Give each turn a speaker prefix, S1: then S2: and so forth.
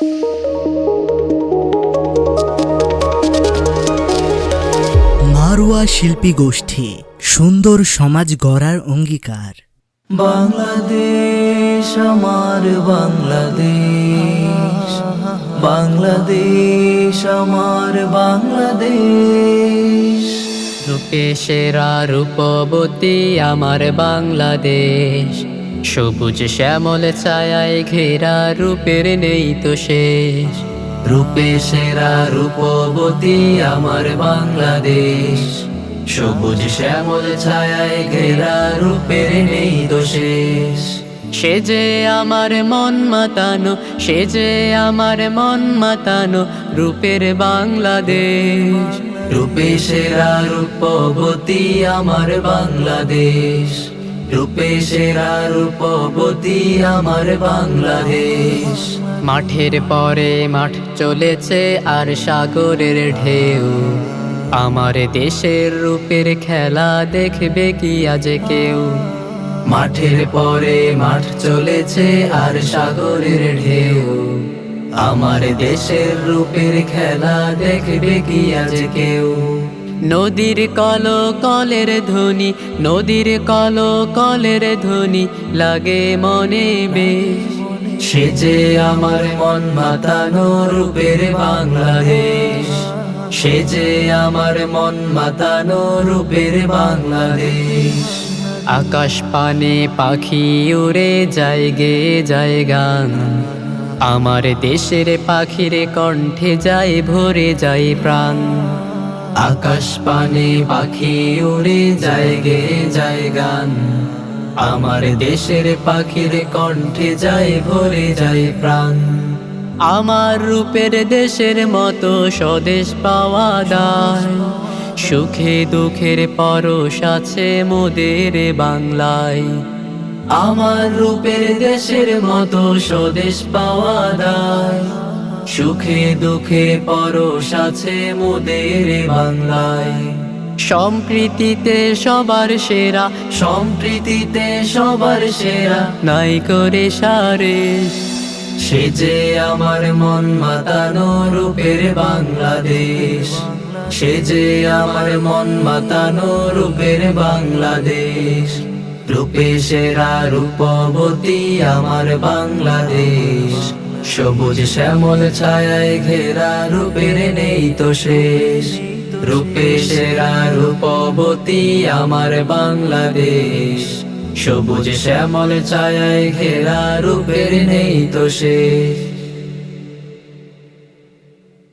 S1: মারওয়া শিল্পী গোষ্ঠী, সুন্দর সমাজ গড়ার অঙ্গীকার।
S2: বাংলাদেশ আমার বাংলাদেশ, বাংলাদেশ আমার বাংলাদেশ।
S3: রূপে সেরা রূপবতী আমার বাংলাদেশ, সবুজ শ্যামল ছায়ায় ঘেরা রূপের নেই তো শেষ।
S2: রূপে সেরা রূপবতী আমার বাংলাদেশ, সবুজ শ্যামল ছায়ায় ঘেরা রূপের নেই তো শেষ।
S3: সে যে আমার মন মাতানো, সে যে আমার মন মাতানো রূপের বাংলাদেশ।
S2: রূপে সেরা রূপবতী আমার বাংলাদেশ, রূপে সেরা রূপবতী আমার বাংলাদেশ।
S3: মাঠের পরে মাঠ চলেছে আর সাগরের ঢেউ, আমার দেশের রূপের খেলা দেখবে কি আজ কেউ।
S2: মাঠের পরে মাঠ চলেছে আর সাগরের ঢেউ, আমার দেশের রূপের খেলা দেখবে কি আজ কেউ।
S3: নদীর কল কলের ধ্বনি, নদীর কল কলের ধ্বনি লাগে মনে বেশ।
S2: সে যে আমার মন মাতানো রূপের বাংলাদেশ, সে যে আমার মন মাতানো রূপের বাংলাদেশ।
S3: আকাশ পানে পাখি উড়ে যায় গে যায় গান, আমার দেশের পাখির কণ্ঠে যায় ভরে যায় প্রাণ।
S2: আকাশ পানে পাখি উড়ে যায় গে যায় গান, আমার দেশের পাখির কণ্ঠে যায় ভরে যায় প্রাণ।
S3: আমার রূপের দেশের মতো স্বদেশ পাওয়া দায়, সুখে দুঃখের পরশ আছে মোদের বাংলায়।
S2: আমার রূপের দেশের মতো স্বদেশ পাওয়া দায়, সুখে দুঃখে পরশ আছে মোদের বাংলায়।
S3: সম্প্রীতিতে সবার সেরা,
S2: সম্প্রীতিতে সবার সেরা,
S3: নাই করে সারে।
S2: সে যে আমার মন মাতানো রূপের বাংলাদেশ, সে যে আমার মন মাতানো রূপের বাংলাদেশ। রূপে সেরা রূপবতী আমার বাংলাদেশ, সবুজ শ্যামল ছায়ায় ঘেরা রূপের নেই তো শেষ। রূপে সেরা রূপবতী আমার বাংলাদেশ, সবুজ শ্যামল ছায়ায় ঘেরা রূপের নেই তো শেষ।